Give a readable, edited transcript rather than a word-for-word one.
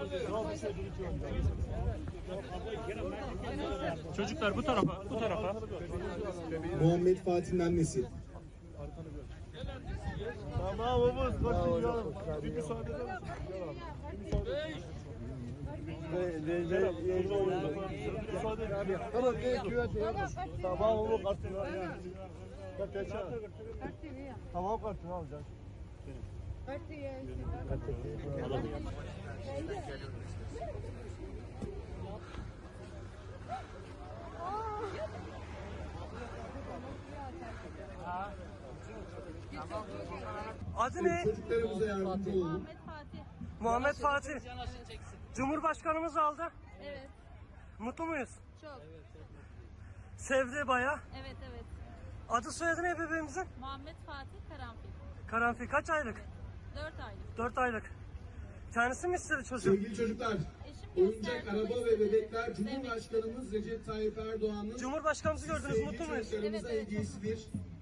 Çocuklar bu tarafa, bu tarafa. Muhammed Fatih'in annesi. Tamam babamız kaçın ya. Bir müsaade eder misin? Tamam tamam oğlum kartını al ya. Tamam kartını alacağız. Adı ne? Çocuklarımıza yardımcı olun. Muhammed Fatih. Muhammed Fatih. Cumhurbaşkanımız aldı. Evet. Mutlu muyuz? Çok. Sevdi baya. Evet evet. Adı soyadı ne bebeğimizin? Muhammed Fatih Karanfil. Karanfil kaç aylık? 4 aylık. 4 aylık. Kendisi mi istedi çocuğu? Sevgili çocuklar, Eşim oyuncak gösterdi, araba ve istedi. bebekler Cumhurbaşkanımız Recep Tayyip Erdoğan'ın Cumhurbaşkanımızı gördünüz, sevgili mutlu muyuz? çocuklarımıza Evet, evet. hediyesidir.